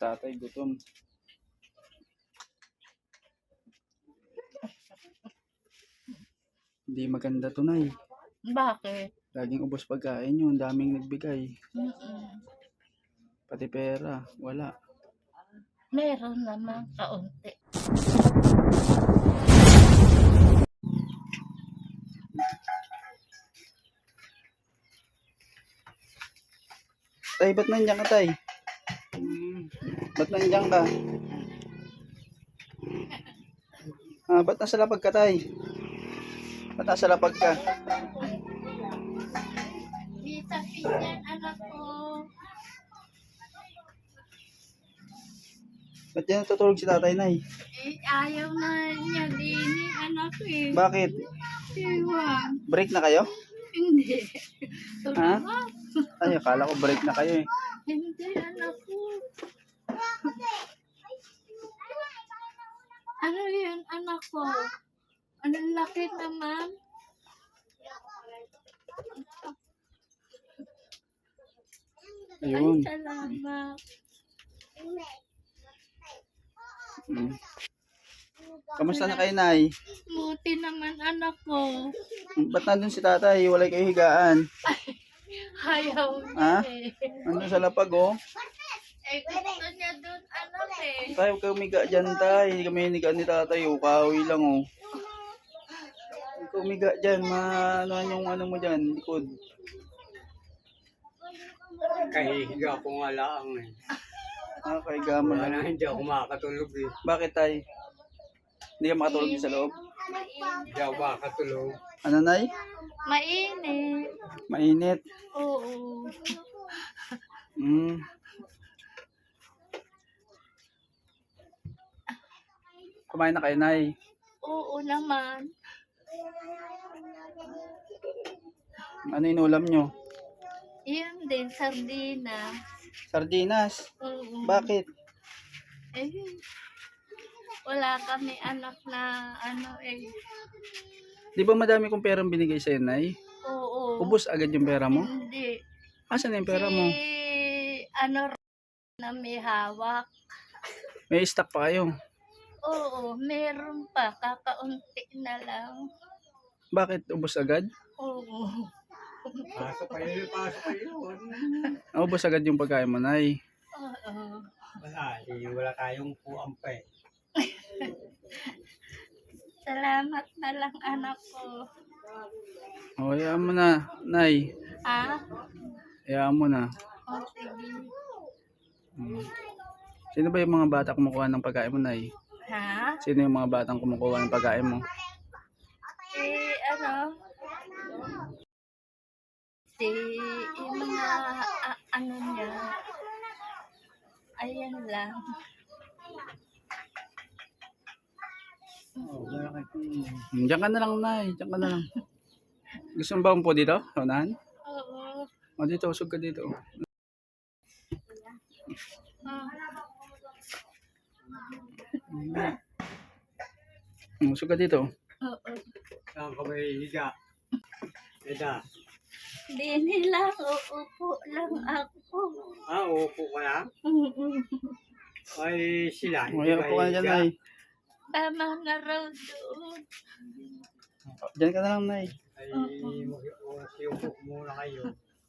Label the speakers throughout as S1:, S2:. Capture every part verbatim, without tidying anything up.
S1: Tatay, gutom. Hindi maganda to, Nay.
S2: Bakit?
S1: Laging ubos pagkain yun. Daming nagbigay.
S2: Mm-mm.
S1: Pati pera. Wala.
S2: Meron naman kaunti.
S1: Tay, ba't nandiyan ka, Tay? Hmm. Ba't nandiyan ka? Ah, ba't nasa lapag ka, Tay? Ba't nasa lapag ka?
S2: Di sabi yan, anak ko.
S1: Ba't yan natutulog si Tatay, Nay?
S2: Eh, ayaw na niya din eh, anak ko eh.
S1: Bakit?
S2: Ewan.
S1: Break na kayo?
S2: Hindi.
S1: Ha?
S2: Tulungan.
S1: Ay, akala ko break na kayo eh.
S2: Hindi, anak ko. Ano yan, anak ko? Anong laki naman?
S1: Ayun.
S2: Ay, salamat.
S1: Hmm. Kamusta na kayo, Nay?
S2: Buti naman, anak ko.
S1: Ba't nandun si Tatay? Wala kayo higaan.
S2: Ayaw
S1: Ha?
S2: niya eh.
S1: Nandun sa lapag, oh.
S2: Eh, gusto niya doon, anak eh.
S1: Tay, huwag kayo umiga dyan, Tay. Hindi kami hiniga ni Tatay, oh. Kahoy lang, oh. Huwag kayo umiga dyan. Ma, ano yung ano mo dyan, likod.
S3: Kahihiga ko nga lang eh.
S1: Ah, kahiga mo
S3: Wala
S1: lang.
S3: na, hindi ako makakatulog eh.
S1: Bakit, Tay? Hindi ka makatulog din sa loob?
S3: Hindi ako makakatulog.
S1: Ano, Nay?
S2: Mainit.
S1: Mainit.
S2: Oo.
S1: Hmm. Kumain na kayo, Nay?
S2: Oo naman.
S1: Ano inulam nyo?
S2: Iyan din, sardina.
S1: Sardinas.
S2: Oo.
S1: Bakit?
S2: Eh, wala kami anak na ano eh.
S1: Di ba madami kong perang binigay sa'yo, Nay?
S2: Oo.
S1: Ubus agad yung pera mo?
S2: Hindi.
S1: Asan na yung pera mo?
S2: Si, ano na may hawak.
S1: May stock pa kayo.
S2: Oo, meron pa. Kakaunti na lang.
S1: Bakit ubos agad?
S2: Oo.
S3: Pasok kayo, pasok kayo.
S1: Ah, ubos agad yung pagkain mo, Nay.
S2: Oo.
S3: Wala, eh, wala tayong puang pa eh.
S2: Salamat na lang anak ko.
S1: O, hayaan mo na, Nay.
S2: Ah?
S1: Hayaan mo na.
S2: O, sige.
S1: Hmm. Sino ba yung mga bata kumukuha ng pagkain mo, Nay?
S2: Ha?
S1: Sino yung mga batang kumukuha ng pagkain mo?
S2: Si, ano? Si, yung mga, a- ano niya. Ayan lang.
S3: Oh, bakit?
S1: Hmm, Diyan ka na lang, Nay. Diyan ka na lang. Gusto mo ba po dito? Unahan?
S2: Oo.
S1: O, dito. Usog ka dito.
S2: Ah.
S1: Hmm, Usog ka dito.
S2: Oo.
S3: Saan ka may higa? Eda.
S2: Di nila, uupo lang ako.
S3: Ah, upo ka lang? Ay, sila.
S1: O, hayaan po ka na dyan, Nay.
S2: Tama na raw doon.
S1: Diyan ka na lang, Nay.
S3: Ay, mag-upo muna kayo.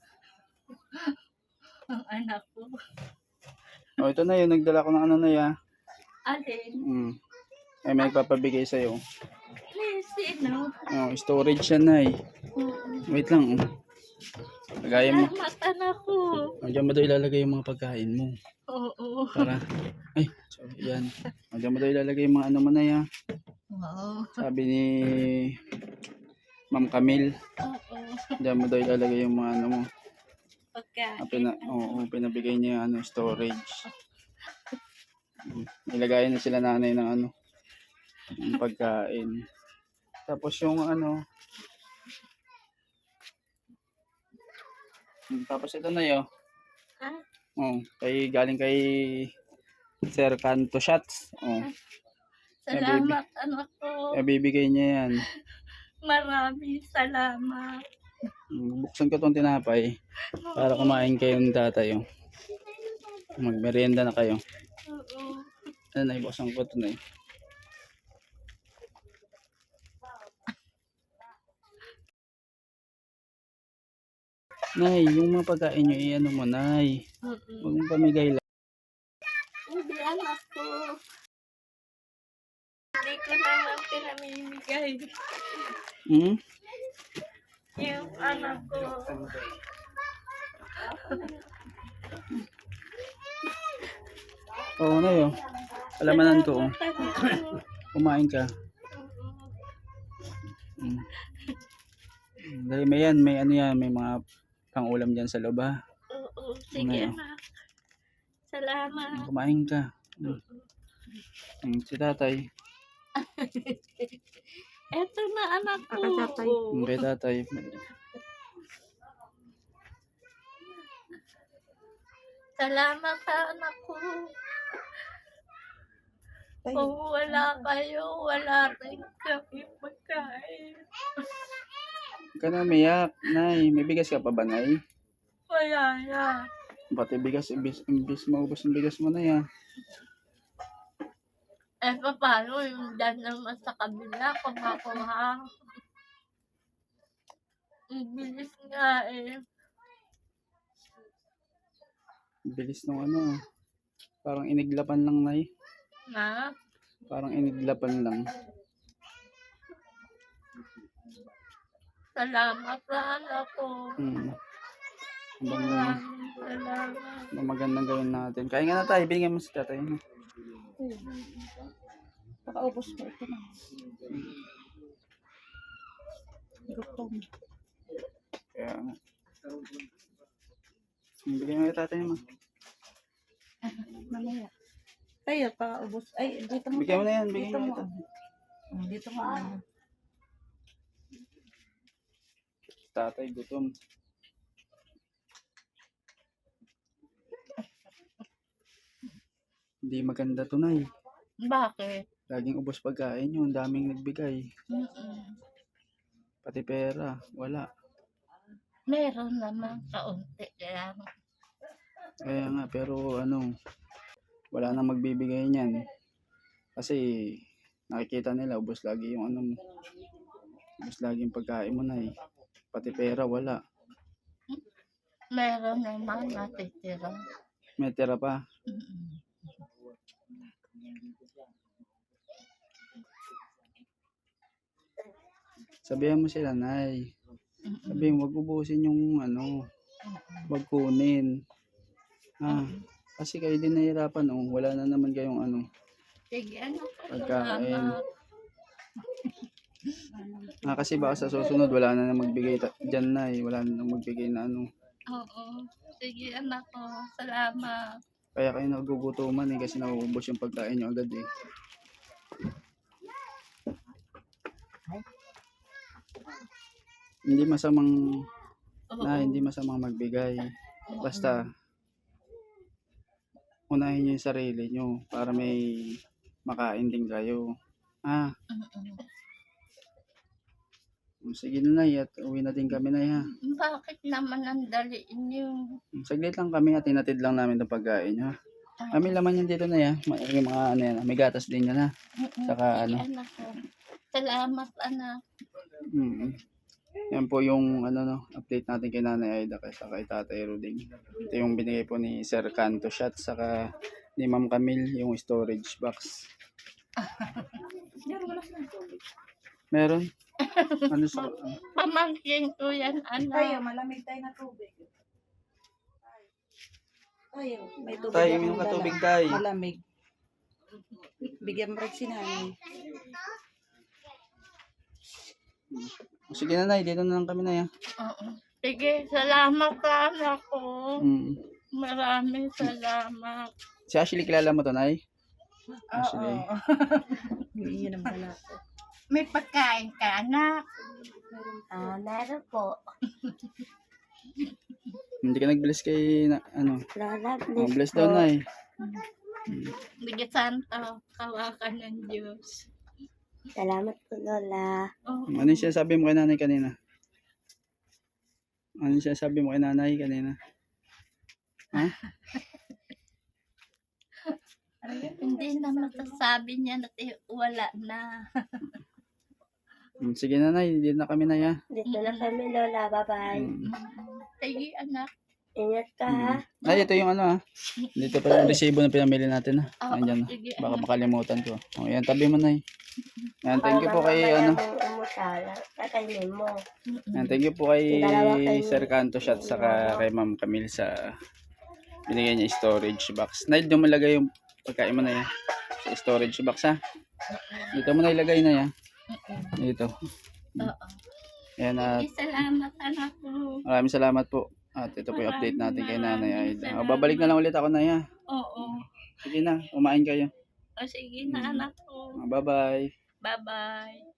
S2: Ang anak ko.
S1: O, ito na yun. Nagdala ko ng ano, Nay, ah.
S2: Alin?
S1: Hmm. Ay, may nagpapabigay sa'yo.
S2: Please, sino?
S1: Oh, storage yan, Nay. Wait lang, oh. Lagayan mo.
S2: Salamat anak ko.
S1: O, diyan mo daw ilalagay yung mga pagkain mo.
S2: Oo.
S1: Para, ay, sorry, yan. O, diyan mo daw ilalagay yung mga ano mo na yan.
S2: Oo.
S1: Sabi ni Ma'am Camille,
S2: Oo.
S1: diyan mo daw ilalagay yung mga ano mo.
S2: Pagkain.
S1: Ah, pina, oo, pinabigay niya yung ano, storage. Mm, Ilagay na sila nanay ng ano, ng pagkain. Tapos yung ano, mm, tapos ito na yun.
S2: Ha?
S1: Oh, kay galing kay Sir Canto Shots. Oh,
S2: Salamat anak ko.
S1: eh, bibigay niya yan.
S2: Maraming salamat.
S1: Mm, Buksan ko tong tinapay para kumain kayo ng tatay. Oh. Magmerienda na kayo.
S2: Oo.
S1: Ano, Nay, buksan ko ito, Nay. Nay, yung mga pagkain nyo, i-ano mo, Nay.
S2: Mm-mm.
S1: Huwag mong pamigay lang.
S2: Hindi anak ko. Hindi ko naman pinamimigay.
S1: Hmm?
S2: Yung anak ko.
S1: Oo, Nay, oh. Alamanan ko, oh. Kumain ka. Mm. Dahil may yan, may ano yan, may mga pang-ulam dyan sa loob, ha.
S2: Oo, sige
S1: Ngayon.
S2: anak. Salamat.
S1: Kumain ka. Mm. Mm, si tatay.
S2: Eto na anak ko.
S1: Mm, kay tatay.
S2: Salamat sa anak ko. Kung wala kayo, wala rin kami pagkain.
S1: Huwag ka na umiyak, Nay. May bigas ka pa ba, Nay?
S2: Wala na.
S1: Pati bigas, imbis, imbis maubos ang bigas mo na yan.
S2: Eh, paano yung dyan naman sa kabila, kumakuha? Ang bilis nga eh.
S1: Bilis nung ano. Parang iniglapan lang, Nay.
S2: Na?
S1: Parang iniglapan lang.
S2: Salamat sa anak ko.
S1: Hmm. Habang,
S2: Maraming salamat.
S1: habang magandang gawin natin. Kaya nga na tayo, bigyan mo si tatay. No?
S4: Pakaubos mo ito na. Gutom.
S1: Kaya nga. Hmm, bigyan mo kay tatay mo.
S4: Mamaya. Tayo, pakaubos. Ay, dito mo.
S1: Bigyan mo na yan,
S4: Dito
S1: bigyan mo
S4: mo.
S1: ito.
S4: Oh, dito mo. ano.
S1: Tatay, gutom. Hindi maganda to, Nay.
S2: Bakit?
S1: Laging ubos pagkain yun, daming nagbigay.
S2: Mm-mm.
S1: Pati pera, wala.
S2: Meron naman kaunti lang.
S1: Kaya nga, pero ano, wala nang magbibigay niyan. Kasi nakikita nila, ubos lagi yung ano mo. Ubos lagi yung pagkain mo, Nay. Pati pera, wala.
S2: Meron naman natitira.
S1: May tira pa.
S2: Mm-mm.
S1: Sabihan mo sila, Nay.
S2: Mm-mm.
S1: Sabihin, wag ubusin yung ano, wag kunin. Ah, kasi kayo din nahihirapan, oh. Wala na naman kayong ano.
S2: Sige, anak ko.
S1: Pagkain.
S2: Salamat.
S1: Ah, kasi baka sa susunod, wala na na magbigay ta- dyan, Nay. Wala na na magbigay na ano.
S2: Oo. Sige, anak ko. Salamat.
S1: Kaya kayo nagugutuman eh, kasi nauubos yung pagkain nyo agad eh. Hindi masamang,
S2: Oo.
S1: na hindi masamang magbigay. Basta, unahin nyo yung sarili nyo para may makain din kayo. Ah,
S2: Mm-mm.
S1: sige na, Nay, at uwi na din kami, Nay, ha.
S2: Bakit naman ang daliin yung...
S1: Saglit lang kami at tinatid lang namin itong pagkain, ha. Kami laman yan dito, Nay, ha. May yung mga ano yan, may gatas din yan, ha.
S2: Mm-mm.
S1: Saka
S2: Sige,
S1: ano.
S2: anak ko. Salamat, anak.
S1: Mm. Yan po yung ano no, update natin kay Nanay Aida kay saka kay Tatay Ruding. Ito yung binigay po ni Sir Canto Shot saka ni Ma'am Camille yung storage box. Meron? Ano sa ano?
S2: Pamangkin ko yan,
S4: Tayo,
S2: anak.
S4: malamig tayo na tubig. Tayo, may tubig.
S1: Tayo,
S4: akong
S1: uminom ka
S4: dala.
S1: tubig, Tay.
S4: Malamig. Bigyan mo rin si nanay.
S1: Sige na, Nay, dito na lang kami, Nay, ha.
S2: Oo. Sige, salamat sa anak ko.
S1: Mm.
S2: Maraming salamat.
S1: Si Ashley, kilala mo to, Nay?
S4: Oo.
S1: Ashley.
S4: Hindi yun ang bala ko.
S2: May pagkain ka, anak. Ah, meron po.
S1: Hindi ka nag-bless kay na, ano?
S2: Lola,
S1: Oh, bless daw, Nay.
S2: Bigyan santo, kawakan ng Diyos.
S5: Salamat po, Lola.
S2: Oh,
S1: Ano yung sinasabi mo kay Nanay kanina? Ano yung sinasabi mo kay Nanay kanina? Ha?
S2: Hindi na masasabi niya na eh, wala na.
S1: Mm, Sige nanay, hindi na kami na ya.
S5: Dito na kami, Lola. Bye-bye.
S1: Mm.
S2: Sige, anak.
S5: Ingat ka, ha?
S1: Mm. Ay, ito yung ano ah. Dito pa yung resibo na pinamili natin ah.
S2: Oo,
S1: Andyan.
S2: sige,
S1: Baka
S2: anak.
S1: makalimutan ko. O yan, tabi mo na eh. Yan, thank you po kay ano.
S5: Umusala. Kakainin mo.
S1: Yan, thank you po kay
S5: Dalawa kayo.
S1: Sir Canto Shot saka kay Ma'am Camille sa binigay niya storage box. Naid mo malagay yung pagkain mo na yan. Sa storage box ha. Dito mo na ilagay na yan. Dito.
S2: Oo.
S1: Yan at
S2: Sige, salamat, anak ko.
S1: maraming salamat po. At ito po yung update natin kay Nanay
S2: Maraming
S1: Aida.
S2: salamat.
S1: O, babalik na lang ulit ako na ya.
S2: Oo.
S1: Sige na, kumain kayo.
S2: O, sige na, anak ko.
S1: Bye bye.
S2: Bye-bye.